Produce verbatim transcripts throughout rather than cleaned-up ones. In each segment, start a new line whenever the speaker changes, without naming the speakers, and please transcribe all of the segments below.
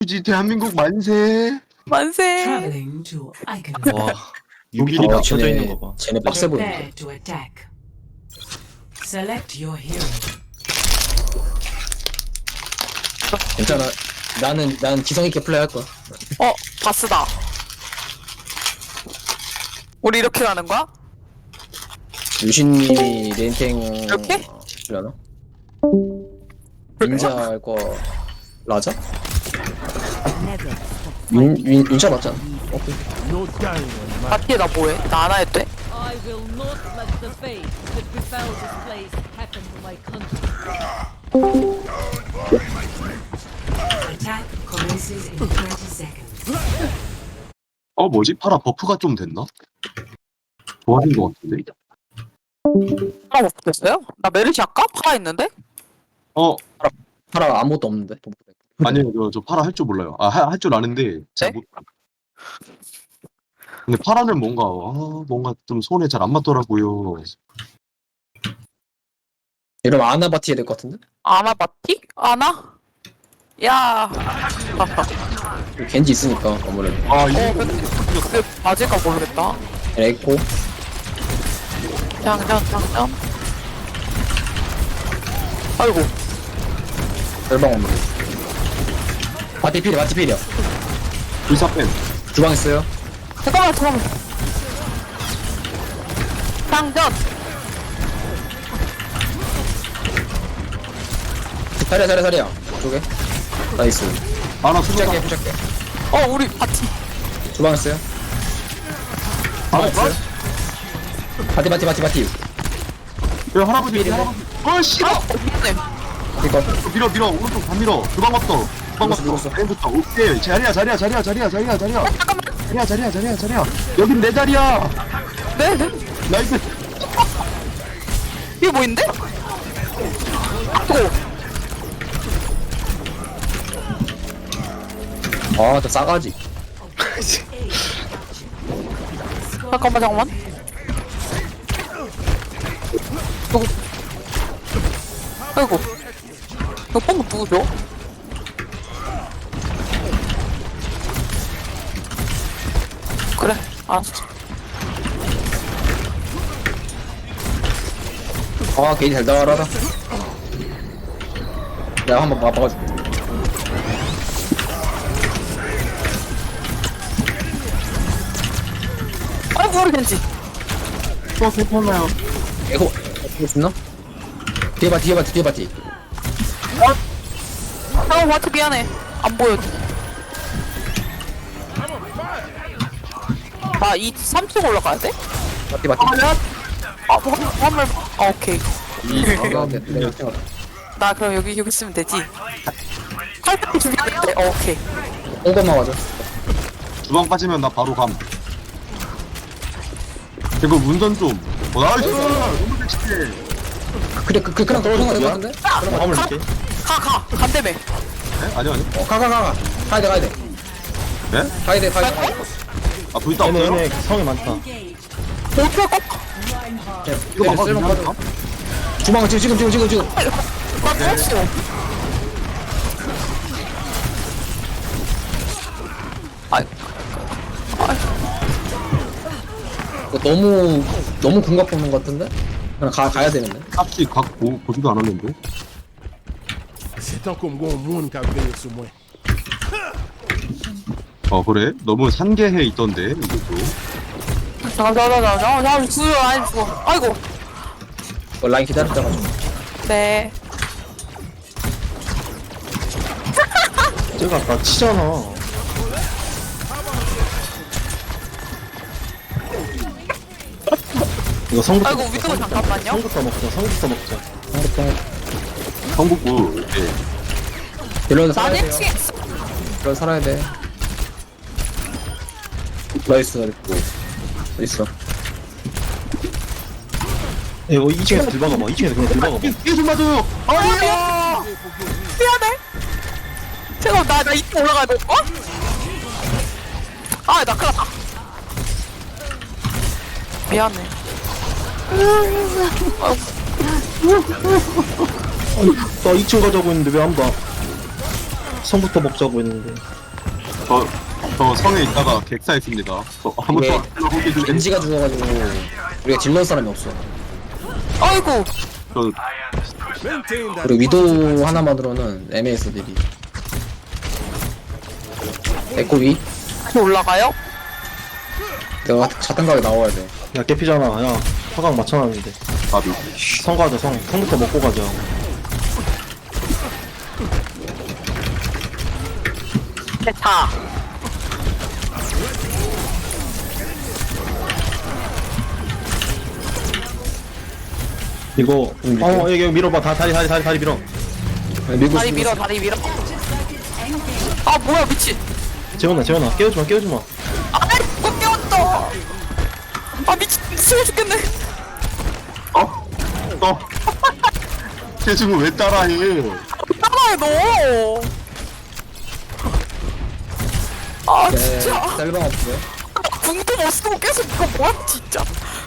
굳이 대한민국 만세.
만세.
Traveling to Icon.
와
여기
유비리
봐,
맞춰져
쟤네-
있는 거 봐.
쟤네 빡세 보인다.
Prepare to attack. Select your hero.
괜찮아. 나는 난 지성 있게 플레이할 거야.
어, 바스다. 우리 이렇게 가는 거야?
유신님이 레인탱
이렇게?
하려나? 닌자 할 거 라자? 윈, 윈, 윈자 맞잖아. 오케이.
바티에 나 뭐해? 나 안 해도 돼?
I will not let the fate that befell this place happen to my country.
Attack commences in thirty seconds.
어 뭐지? 파라 버프가 좀 됐나? 좋아진 것 같은데?
파라 못 됐어요? 나 메르시 할까? 파라 있는데?
어
파라 아무것도 없는데.
아니요 저, 저 파라 할 줄 몰라요. 아 할 줄 아는데 잘
네?
못. 근데 파라는 뭔가 아, 뭔가 좀 손에 잘 안 맞더라고요.
이러면 아나바티 해야 될 것 같은데?
아나 바티? 아나? 야.
겐지 있으니까 아무래도.
아
어,
이거
근데 그게 맞을까 모르겠다.
에코.
장전, 장전. 아이고.
절방 없는. 바티 필이야, 바티 필이야.
불사팬.
주방 있어요.
잠깐만, 잠깐만. 장전.
자리야, 자리야, 자리야. 쪽에. 나이스.
아나 수작해.
부착해, 부착해.
어, 우리 바티.
주방 있어요.
아
있어요. 바티, 바티, 바티, 바티.
야 할아버지 할아버지. 어 싫어.
어, 미안해.
이거.
밀어 밀어 오른쪽 다 밀어. 주방 왔어. 주방
밀었어,
왔어.
밀었어.
왼부터 오케이. 자리야 자리야 자리야 자리야 자리야 자리야. 자리야 자리야 자리야 자리야. 여긴 내 자리야.
네, 네.
나이스.
이게 뭐인데? 또.
아, 저 싸가지.
잠깐만, 잠깐만. 누구? 아이고. 이거 pomp 누구죠? 그래, 알았어.
아, 게이지 잘 나가라다. 내가 한번 막아줄게.
아이고, 우리 겐지.
또 괜찮나요?
에코, 에코 죽나? 뒤에 바티, 뒤에 바티, 뒤에 바티.
잠깐만, 바트 미안해. 안 보여. 나 이 삼 층 올라가야 돼?
바티, 바티.
아, 내가. 아, 뭐, 화물. 아, 오케이.
아, 네, 네, 네.
나 그럼 여기, 여기 있으면 되지. 칼퇴 준비했는데, 어, 오케이.
뽕검만 맞아.
주방 빠지면 나 바로 감. 이거 운전 좀. 어, 나이스. 너무 섹시해.
그래, 그, 그, 그냥 떨어진 거될것 같은데?
화물 이렇게.
가, 가. 간대매.
네? 아니요 아니요.
어, 가, 가, 가, 가. 가야 돼, 가야 돼.
네?
가야 돼, 가야 돼. 가야 돼.
아 불타
얘네
없어요?
얘네 성이 많다.
어떻게 꺾어?
이거 막아
쓸모
주면
빠져. 주방을 지금, 지금, 지금, 지금, 지금.
나 죽었어. 아이,
이거 너무, 너무 궁각 뽑는 것 같은데? 그냥 가, 가야 되는데?
값이 각 보, 보지도 않았는데.
C'est tant comme gon moun ka veye sou mwen.
어 그래? 너무 산계해 있던데 이것도.
잠깐, 잠깐, 잠깐, 잠깐, 잠깐, 죽어, 아니 죽어. 아이고.
어, 라인 기다렸다가 좀.
네.
쟤가 나 치잖아. 이거 성부터
아이고, 위도 잠깐만요.
성부터 먹자. 성부터 먹자.
성북구. 네.
딜러는 살아야
나는
돼요.
치.
딜러 살아야 돼. 나이스, 그리고. 있어.
이거 이 층에서 들박아봐. 이 층에서 그냥 들박아봐.
이게 좀 맞아요.
아니야. 미안해. 제가 나, 나 이쪽 올라가야 돼. 어? 아, 나 큰일 났다. 미안해.
나 이 층 가자고 했는데 왜 아무도 안 성부터 먹자고 했는데.
저, 저 성에 있다가 객사했습니다. 저 아무도
이게
안 하고 계시네.
겐지가 죽어가지고 우리가 딜러 사람이 없어.
아이고.
저
Maintain that.
그리고 위도 하나만으로는 애매했어 딜이. 에코 위.
올라가요?
내가 자탄각에 나와야 돼.
야 깨피잖아. 야 화강 맞춰놨는데.
바비.
성 가자 성. 성부터 먹고 가자.
대타.
이거 어 여기 여기 밀어봐. 다 다리 다리 다리 다리 밀어.
밀고
다리
있어,
밀어, 다리 밀어. 아, 뭐야, 미친.
재현아 재현아 깨우지 마 깨우지 마.
아, 누가 깨웠어. 아, 미친. 미치고 죽겠네.
어? 어? 쟤 지금 왜 따라해?
따라해, 너. 아,
네,
진짜.
셀방 없어요?
궁도 못 쓰고 계속 이거 뭐야, 진짜.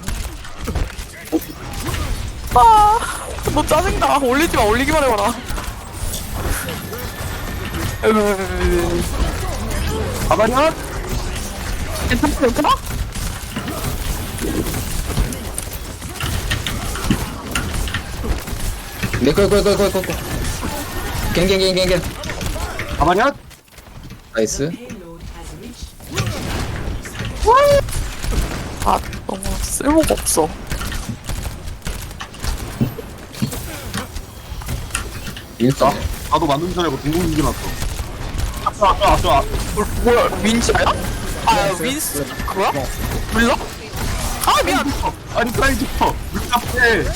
아, 너 짜증나. 올리지 마, 올리기만 해봐라. 으,
가만히야?
괜찮아, 괜찮아?
네, 거기 거기 거기 거기 거기. 갱갱갱갱갱.
가만히야?
나이스.
아, 너무 쓸모가 없어.
인싸.
나도 만든 줄 알고 동공인지 났어. 아싸 아싸 아싸.
뭐야, 윈스야? 아, 윈스, 그거야? 몰라? 아, 미안.
아니 프라이즈 퍼. 밑앞에.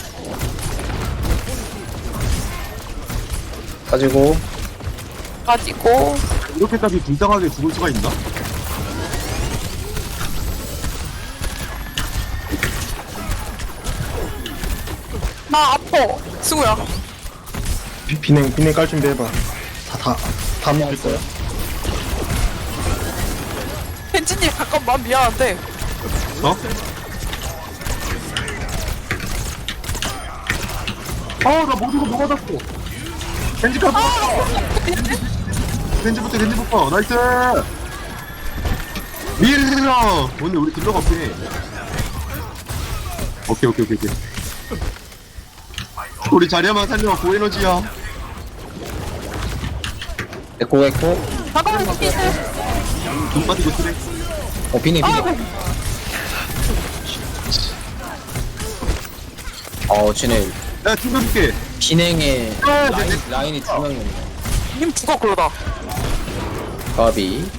가지고
가지고.
이렇게까지 불쌍하게 죽을 수가 있나?
나 아파. 승우야.
비, 비냉 비냉 깔 준비해봐. 다다다 먹을 거야.
벤지님, 잠깐만, 미안한데.
어? 아나 모두가 뭐 받았어. 벤지 카드. 벤지부터 벤지부터 나이스. 밀어. 오늘 우리 딜러가 없네. 오케이 오케이 오케이 오케이. 우리 자리야만 살려 고에너지야.
에코 에코.
잠깐만, 빈스.
돈 빠지고 쓰래.
어 비네 비네. 어 쟤네
야 튕겨줄게.
비냉에
아,
라인,
네네.
라인이 두 명이네.
님 죽어, 그러다.
가비.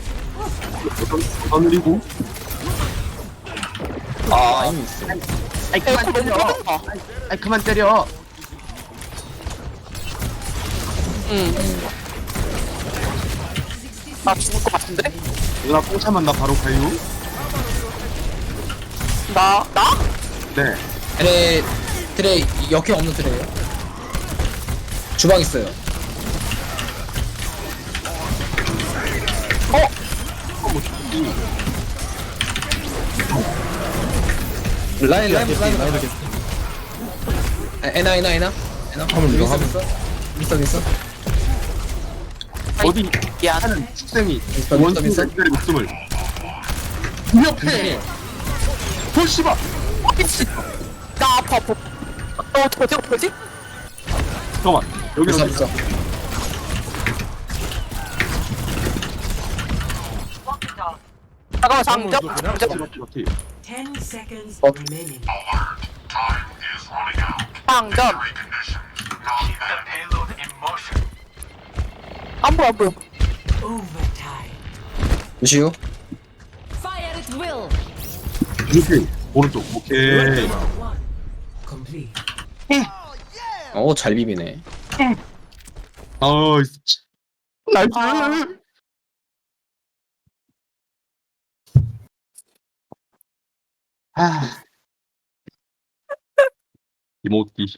하늘이고.
아 라인 있어.
아이
에코 너무 터진다.
아이 그만 때려.
응. 나 죽을 것 같은데?
누나 뽕차만 나 바로 가요.
나, 나?
네.
트레 트레 역행 없는 트레요. 주방 있어요.
어?
라인 라인 라인 라인. 에나 에나 에나 에나.
화면 밀어,
있어
화면.
있어 있어 있어.
어디
미안.
하는 축생이
있어, 있어,
원숭이
있어.
의 목숨을 옆에 돌씨바.
어, 미친. 나 아파, 아파. 어, 어떻게, 어떡하지?
잠깐만 여기
있어
어디
있어.
잠깐만, 장전. 장전.
어떻게
Ten seconds
Oh.
remaining.
장전. 안 보여, 안 보여.
Overtime.
루시우.
Fire at will.
이렇게 오른쪽 오케이.
One. Complete.
어잘 비비네.
아이 나이스. 아 이모티.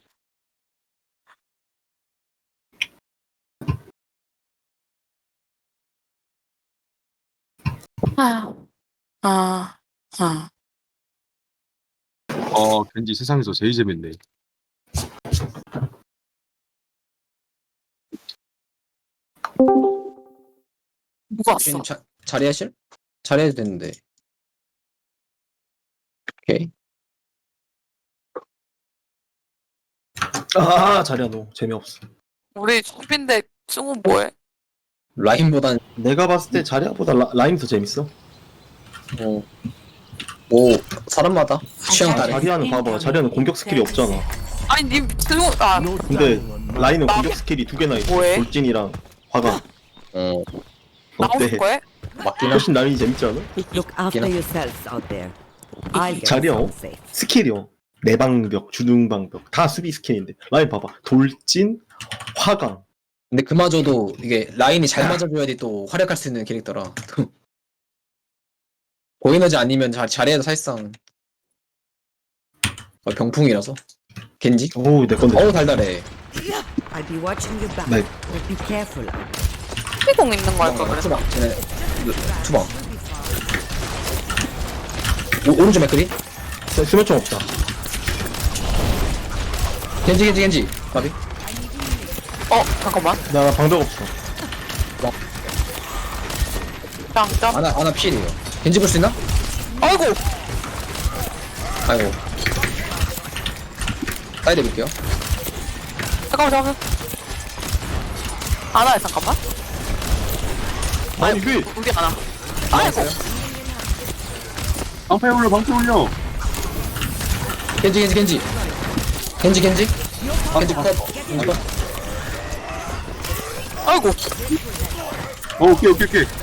아, 아, 아.
어 겐지 세상에서 제일 재밌네.
누가 왔어?
지금 자, 자리하실? 자리해도 되는데. 오케이.
아 자리야 너 재미없어.
우리 수빈데 승우 뭐해?
라인보단
내가 봤을 때 자리야보다 라, 라임이 더 재밌어.
뭐, 뭐 사람마다 취향 다르.
자리야는 봐봐. 자리야는 공격 스킬이 없잖아.
아니 님 승우 아
No
근데
time on my
라인은
나-
공격 스킬이 두 개나 있어.
뭐해?
돌진이랑 화강.
어,
나오실
어때?
거야?
맞긴 하.
훨씬 라인이 재밌지 않아?
Look after
know.
yourselves out there. I'll get
자리야.
us safe.
스킬이요. 내방벽, 주둥방벽 다 수비 스킬인데 라인 봐봐. 돌진, 화강.
근데 그마저도 이게 라인이 잘 맞아줘야지 또 활약할 수 있는 캐릭터라. 고에너지 아니면 자, 자리에도 사실상 어, 병풍이라서. 겐지?
오우 내 건데.
어우 달달해.
I'll be watching your back.
네.
But be careful.
피공 있는 거 할 걸 그랬어.
투방. 쟤네 투방. 오, 오른쪽 맥크리?
수- 수면총 없다.
겐지 겐지 겐지. 가비.
어 잠깐만.
나 방벽 없어.
짱짱.
아나 아나 필이에요. 겐지 볼 수 있나?
아이고.
아이고. 사이드 볼게요.
잠깐만 잠깐만. 안와요 잠깐만.
아니 왜?
우리 안와. 아이고.
방패 올려 방패 올려.
겐지 겐지 겐지. 겐지 겐지. 겐지 컷. 겐지 컷.
아이고.
어 오케이 오케이 오케이.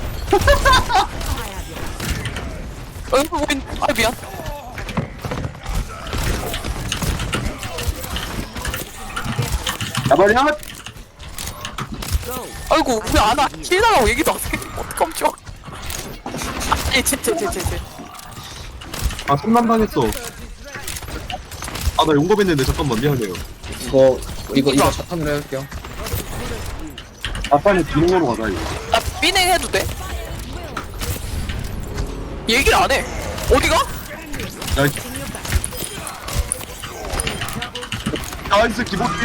아이고 우린 아 미안.
야발이야.
아이고 우리 안와. 킬 나가고 얘기도 안 해. 어떡하죠? 아니 쟤쟤쟤쟤쟤.
아 손난 당했어. 아 나 용검했는데 잠깐만 미안해요.
이거 이거 이거 차탄으로 해볼게요.
아 빨리 비행으로 가자 이거.
나 비냉 해도 돼? 얘기를 안 해. 어디가?
야, 나이스 기본기.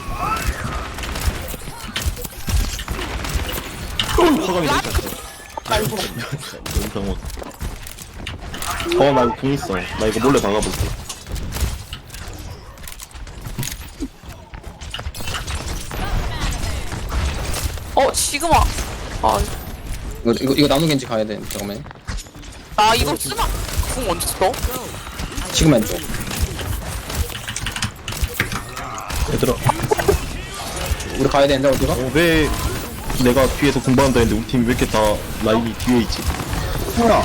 화강이 돼 있었어.
아이고.
영상원. 어나 이거 궁 있어. 나 이거 몰래 막아볼게.
어 시그마. 아,
이거 이거 이거 나누 겐지 가야 돼. 잠깐만.
나 이거 쓰나? 궁 언제 써?
지금 왼쪽.
얘들아.
우리 가야 되는데 어디가?
어, 왜 내가 뒤에서 공부한다 했는데 우리 팀이 왜 이렇게 다 라인이 뒤에 있지?
뭐야?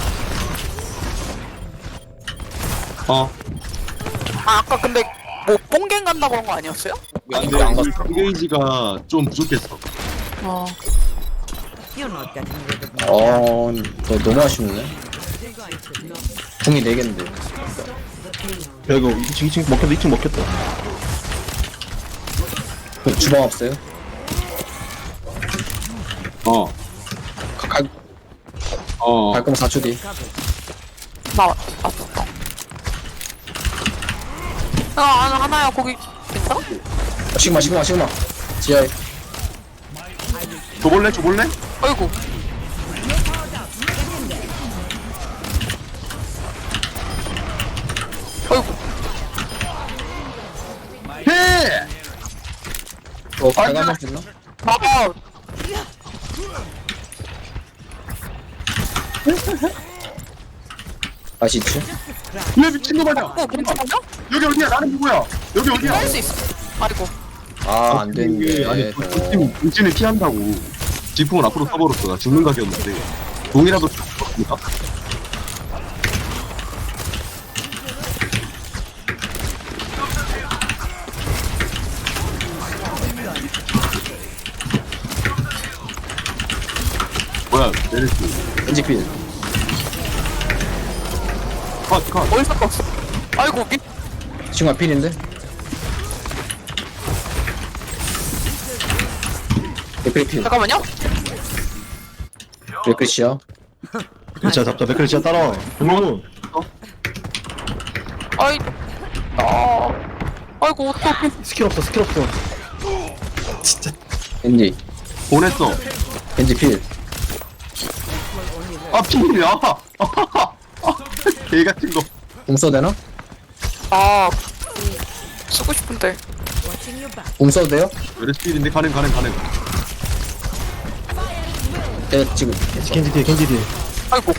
어.
아 아까 근데 뭐 뽕갱 간다 그런 거 아니었어요?
왜안 안 갔어?
게이지가 좀 부족했어.
어.
You're not getting rid of me.
어, 너 너무 아쉽네. 궁이 네 개인데.
야 이거 이 층 이 층 먹혔다 이 층 먹혔다.
그 주방 없어요?
어.
가, 갈,
어.
갈 거면 사 초 뒤.
나 왔었어. 아 하나 하나야 거기 괜찮아?
아, 시그마 시그마 시그마. 지하에.
줘볼래 줘볼래?
아이고. 아이고.
해.
어, 가가 할수 있나?
아
맛이 있지?
왜 미친놈 아니야?
어 괜찮아?
여기 어디야? 나는 누구야? 여기 어디야?
할 수 있어. 아이고.
아, 안 되는데.
아니
저-
돌진 돌진을 피한다고. 지풍을 앞으로 써버렸어. 나 죽는 각이었는데. 동이라도 죽었습니까? 뭐야? 메르스.
겐지 필.
컷 컷.
어디서 껐어? 아이고 미.
시그마 필인데? 맥크리 필.
잠깐만요.
맥크리 씨야.
진짜 잡자 맥클 진짜 따라와. 동료는
아이. 아. 아이고 어떡해.
스킬 없어 스킬 없어.
겐지.
보냈어.
겐지 필.
아 필이야. 개 같은 거.
공 써도 되나?
아 음, 쓰고 싶은데.
Watching your back.
공 써도 돼요?
메르시 필인데 가능 가능 가능.
네 지금
겐지 뒤에 겐지 뒤에.
아이고.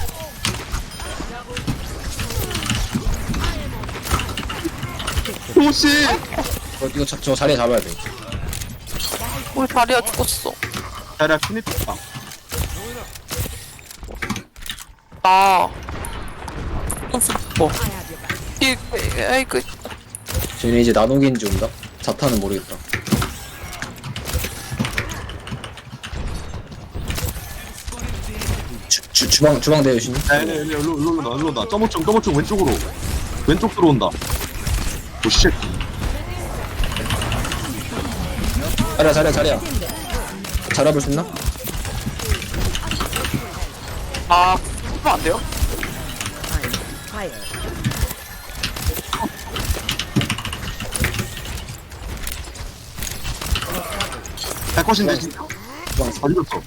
도시.
어, 이거 저, 저 자리에 잡아야 돼.
우리 다리야 죽었어.
자리야 피니트다.
나. 무슨 뭐? 이 아이고.
쟤네 이제 나노겐지 온다? 자타는 모르겠다. 주, 주, 주방 주방 대요 신이?
네네 네 일로 일로 온다 일로 온다. 점오층 점오층 왼쪽으로. 왼쪽 들어온다. 오씨.
자리야 자리야 자리야. 잘해볼 수 있나?
아, 그러면 안 돼요?
I'm tired.
할 것인데 진짜.
주방
다 죽였어.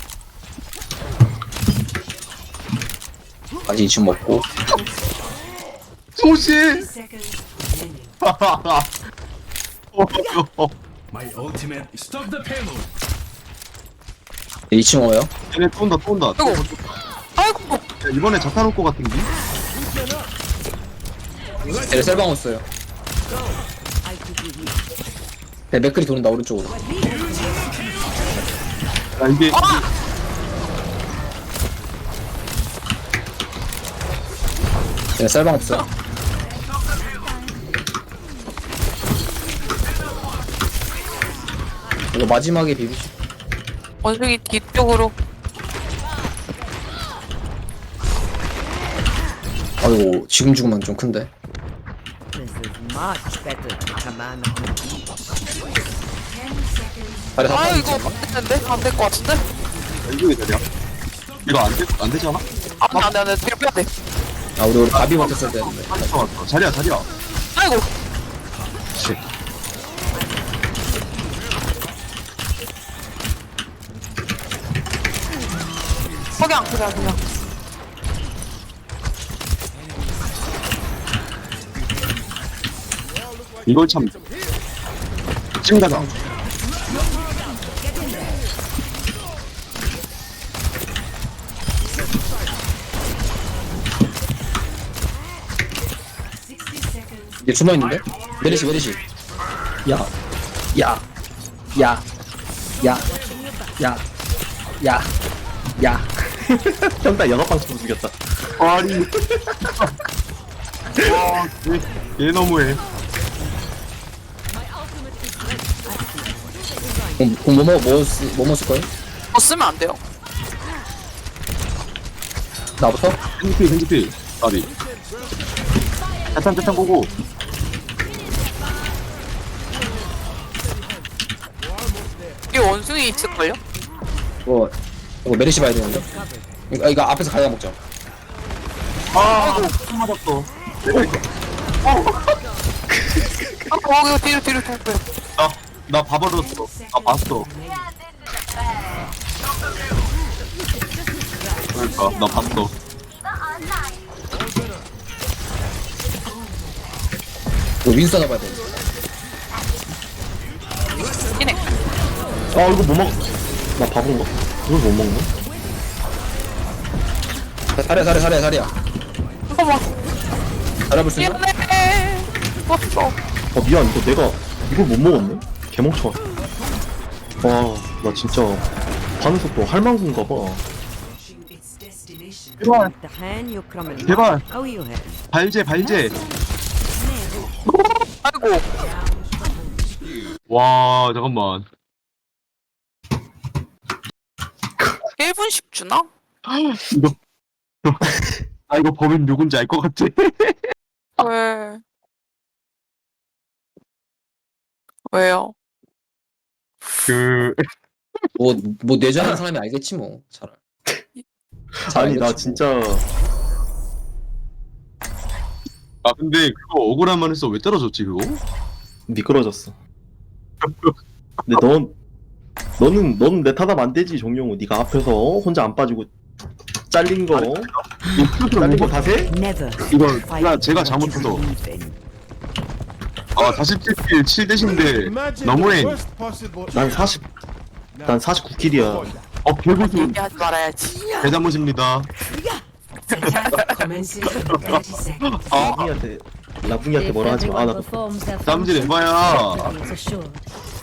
아직 이쯤 먹고.
도시.
Seconds remaining.
어,
My ultimate. Stop the payload.
이 층 와요?
얘네 또 온다 또 온다.
아이고. 아이고.
야, 이번에 자탄 올것 같은데?
쟤네 셀방 왔어요.
I'll keep you here.
네, 맥클이 도는다 오른쪽으로.
야 이게
쟤네 셀방 없어요. 이거 마지막에 비비시.
원숭이 뒤쪽으로.
아이고 지금 죽으면 좀 큰데.
This is much better to command on the beat.
자리 다
아
빠져
이거
있지.
안 됐는데? 안 될 것 같은데?
이쪽에 자리야. 이거 안 되, 안 되지 않아?
안돼 안돼 안돼 뒤로 빼야 돼.
아 우리 우리 가비 버텼어야 되는데.
왔어 왔어. 자리야 자리야.
아이고.
씨.
석양 그냥 그냥.
이걸 참. 지금 가자.
sixty seconds.
얘 숨어 있는데? 메리시 메리시. 야, 야, 야, 야, 야, 야, 야.
형다 영업 방송 죽였다.
아니. 와, 얘, 얘 너무해.
공뭐 먹어 뭐 쓰, 뭐 먹을 거예요?
뭐 쓰면 안 돼요.
나부터?
핸드필 핸드필. 아리. 자탄 자탄 보고.
이 원숭이 있을걸요?
뭐 이거 메리시 봐야 되는데. 이거, 이거 앞에서 가야 먹자.
아, 또 맞았어. 내가 이거.
아 거기 뒤로 뒤로 뒤로. 뒤로.
나, 나 봐버렸어. 나 봤어. 그러니까, 나 봤어.
이거 윈스터 잡아야 돼.
이네.
아 이거 못 먹. 나 바본가? 이걸 못 먹나?
사려 사려 사려 사려.
잠깐만.
잘해볼 수 있나?
미안해. 죽었어.
아 미안 이거 내가 이걸 못 먹었네? 개멍청아. 와나 진짜 반응 속도 할망구인가 봐.
Reaching its destination.
제발,
The hand you coming.
제발.
How you have?
발제, 발제.
아이고.
와, 잠깐만.
일 분씩 주나?
이거. 아, 이거 범인 누군지 알 것 같아.
왜? 왜요?
그,
뭐뭐 내전하는 사람이 알겠지 뭐. 잘. 잘
아니 나
알겠지,
진짜
아, 근데 그거 억울한 말 했어. 왜 떨어졌지, 그거?
미끄러졌어. 근데 넌 너는 너는 내 탓하면 안 되지 정용우. 네가 앞에서 혼자 안 빠지고 잘린 거. 잘린 거 다세?
Never
이거
fight
제가 제가
what you
잘못해서
believe in.
아 사십칠 킬 칠 대신데
Imagine
너무해.
the worst possible.
난 사십. 난 사십구 킬이야.
어 개고수
얘기하지 말아야지.
대자못입니다.
Attack commencing in thirty seconds.
라붕이한테 라붕이한테
If
뭐라 하지 마. 아,
everyone
나
performs their
땀질
function,
에바야.
victory is assured.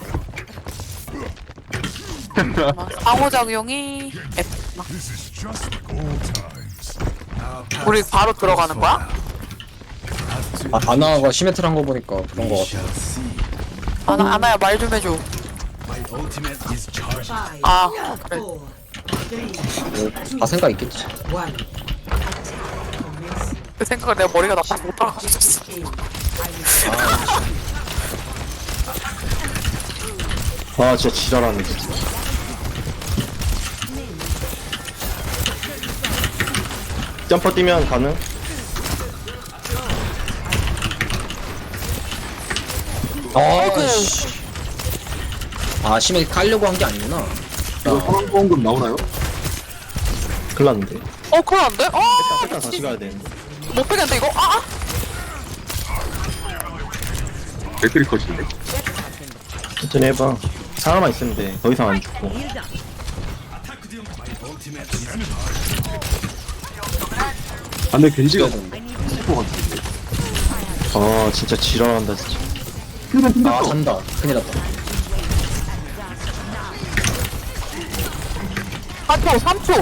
상호작용이 F구나. 우리 바로 들어가는 거야?
아, 아나가 시메트를 한 거 보니까 그런 거 같아.
아나, 아나야 말 좀 해줘.
Five,
아 그래.
four, three,
뭐, 다 생각 있겠지.
one. Attack commencing.
그 생각을 내가 머리가 나빠서 못 따라갔었어.
아 진짜 지랄하네 진짜. 점퍼 뛰면 가능?
아, 씨. 아, 심해 깔려고 한 게 아니구나.
이거 상황보험금 나오나요?
큰일 났는데.
어 그럼 안 돼? 어
일단 다시 가야 되는데.
못 빼겠는데 이거? 아! 아!
맥크리 컷인데.
천천히 해봐. 사람만 있으면 돼. 더 이상 안 죽고.
아 근데 겐지가 스포 같은데.
아 진짜 지랄한다 진짜.
아, 잔다. 큰일 났다.
사 초 삼 초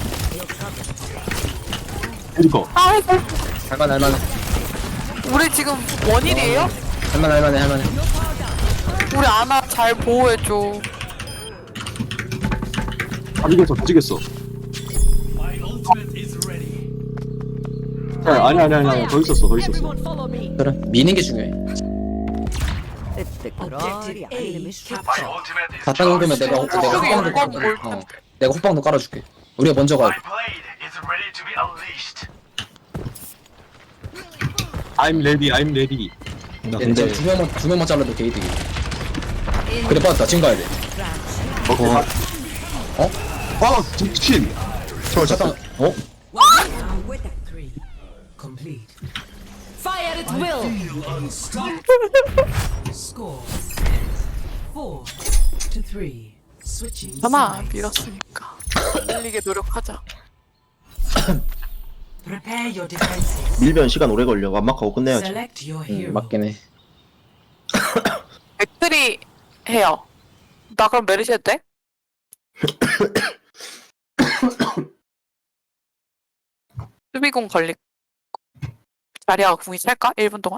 겐지거.
아이고
할만해, 할만해.
우리 지금 원일이에요?
할만해, 할만해, 할만해.
우리 아나 잘 보호해줘.
다 죽였어 다 죽였어. 야, 아니 아니 아니 아니 더 있었어 더 있었어.
그래, 미는 게 중요해.
Objective A captured.
다 따놓으면 내가, 내가
저기
호빵도
이거
깔아줄게.
뭘
어, 내가 호빵도 깔아줄게. 우리가 먼저 가야 돼.
I'm ready I'm ready.
나
이제
근데
두 명만, 두 명만 잘라도 게이득이. 그래, 빠졌다. 지금 가야 돼.
오케이.
어.
어?
아 미친.
서울
잠깐,
잠깐.
어?
Three. Complete.
Fire at will.
Score. Four to three. Switching
하나
sides.
밀었으니까 밀리게 노력하자.
Prepare your defenses.
밀면 시간 오래 걸려. 완막하고 끝내야지.
Select your
응,
hero.
맞긴 해.
맥트리 해요. 나 그럼 메르시 해도 돼? 수비공 걸리 자리아가 궁이 찰까? 일 분 동안?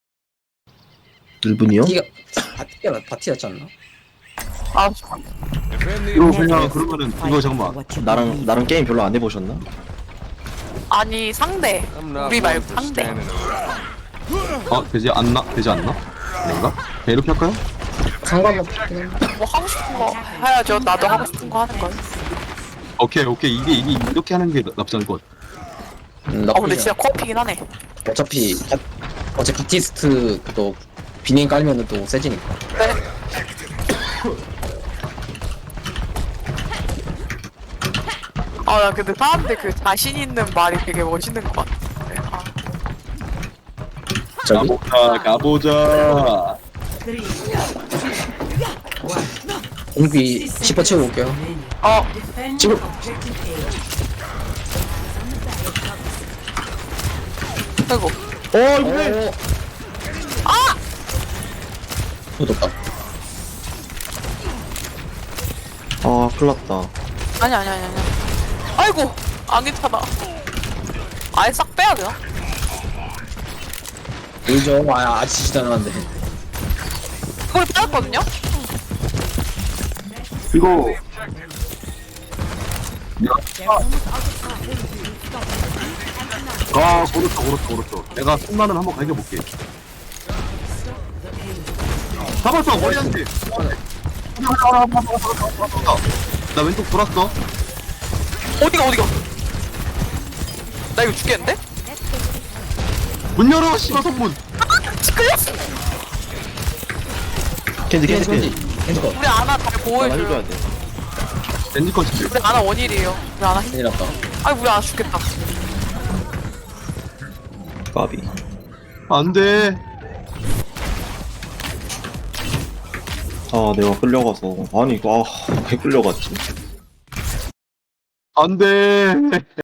일 분이요?
바티가, 바티가, 바티였지 않나?
아
이거 그냥 그러면은 이거 잠깐만.
What you
나랑
believe
나랑 게임 별로 안 해보셨나?
아니 상대 우리 말고 상대.
어 되지 않나 되지 않나? 아닌가? 그냥 이렇게 할까요?
상관없긴 해.
뭐 하고 싶은 거 해야죠. 나도 하고 싶은 거 하는 거야.
오케이 오케이 이게 이게 이렇게 하는 게 나쁘지 않을 것 같아.
음,
어 근데
나쁘지
진짜
않아.
코앞이긴 하네.
어차피, 바, 어차피 바티스트 또 비닝 깔면은 또 세지니까.
네. 아나 근데 사람들 그 자신 있는 말이 되게 멋있는 것 같아. 아,
저기?
가보자 가보자.
Three.
공비 십 번 채우고 올게요.
어
Defend
지금-
objective A.
아이고
어 이거
아
묻었다.
아 큰일났다.
아니 아니 아니 아니. 아이고 안 괜찮아. 아예 싹 빼야 되나?
보이죠? 아, 아직 지지도 않았는데.
그걸 빼놨거든요?
이거 아 고르다 고르다 고르다. 내가 손만을 한번 갈겨볼게. 잡았어 머리한테. 나 왼쪽 돌았어.
어디가 어디가? 나 이거 죽겠는데?
문 열어 씨발 선문.
끌렸어.
캔디 캔디
겐지,
캔디.
겐지. 겐지 거.
우리 아나 잘
나
보호해줘요.
해줘야 돼.
렌지 컷이.
우리 아나 원일이에요. 우리 아나 힘.
큰일 났다.
아이 우리 안 죽겠다.
까비.
안돼.
아 내가 끌려가서 아니 이거 아왜 끌려갔지?
안돼.